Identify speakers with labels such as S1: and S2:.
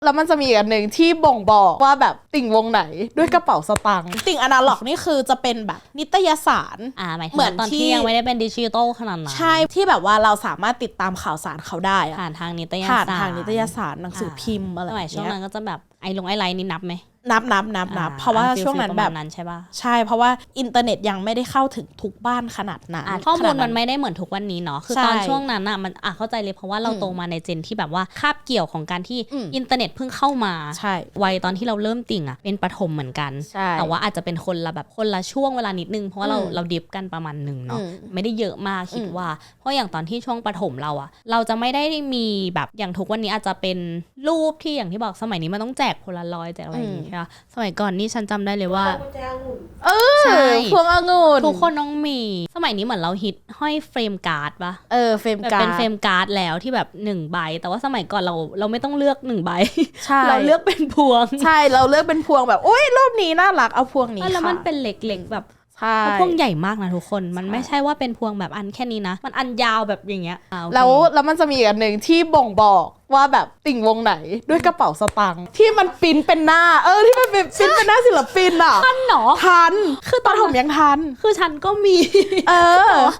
S1: แล้วมันจะมีอีกอันหนึ่งที่บ่งบอกว่าแบบติ่งวงไหนด้วยกระเป๋าสตางค์ติ่งอนาล็อกนี่คือจะเป็นแบบนิตยสาร
S2: หมายถึงตอนที่ยังไม่ได้เป็นดิจิตอลขนาดนั้น
S1: ใช่ที่แบบว่าเราสามารถติดตามข่าวสารเขาได้
S2: ผ่านทางนิตยสาร
S1: ผ่านทางนิตยสารหนังสือพิมพ์อะไร
S2: สมัยช่วงนั้นก็จะแบบไอไลน์นี่นับไหม
S1: นับเพราะว่าช่วงนั้นแบบ
S2: นั้นใช่ป่ะ
S1: ใช่เพราะว่าอินเทอร์เน็ตยังไม่ได้เข้าถึงทุกบ้านขนาดนั้น
S2: ข้อมูลมันไม่ได้เหมือนทุกวันนี้เนาะคือตอนช่วงนั้นมันเข้าใจเลยเพราะว่าเราโตมาในเจนที่แบบว่าคาบเกี่ยวของการที่อินเทอร์เน็ตเพิ่งเข้ามา
S1: ใช่
S2: วัยตอนที่เราเริ่มติ่งเป็นประถมเหมือนกันแต่ว่าอาจจะเป็นคนละช่วงเวลานิดนึงเพราะว่าเราดิฟกันประมาณนึงเนาะไม่ได้เยอะมากคิดว่าเพราะอย่างตอนที่ช่วงประถมเราจะไม่ได้มีแบบอย่างทุกวันนี้อาจจะเป็นรูปที่อย่างที่บอกสมัยนี้มันต้องแจกโพลารอยด์แจกอะไรอย่างงี้ใช่ป่ะสมัยก่อนนี่ฉันจำได้เลยว่า
S1: ใช่พวงองุ่น
S2: ทุกคนต้องมีสมัยนี้เหมือนเราฮิตห้อยเฟรมการ์ดป่ะ
S1: เฟรมการ์ด
S2: เป็นเฟรมการ์ดแล้วที่แบบ1ใบแต่ว่าสมัยก่อนเราไม่ต้องเลือก1ใบเราเลือกเป็นพวง
S1: ใช่เราเลือกเป็นพวงแบบอุ๊ยรูปนี้น่ารักเอาพวงนี้
S2: แล้วมันเป็นเล็กๆแบบพวงใหญ่มากนะทุกคนมันไม่ใช่ว่าเป็นพวงแบบอันแค่นี้นะมันอันยาวแบบอย่างเงี้ย
S1: แล้วมันจะมีอีกอันหนึ่งที่บ่งบอกว่าแบบติ่งวงไหนด้วยกระเป๋าสตางค์ที่มันปิ้นเป็นหน้าที่มันเป็นปิ้นเป็นหน้าศิลปินอ่ะ
S2: ทันเหรอ
S1: ทันคือตอนผมยังทัน
S2: คือฉันก็มี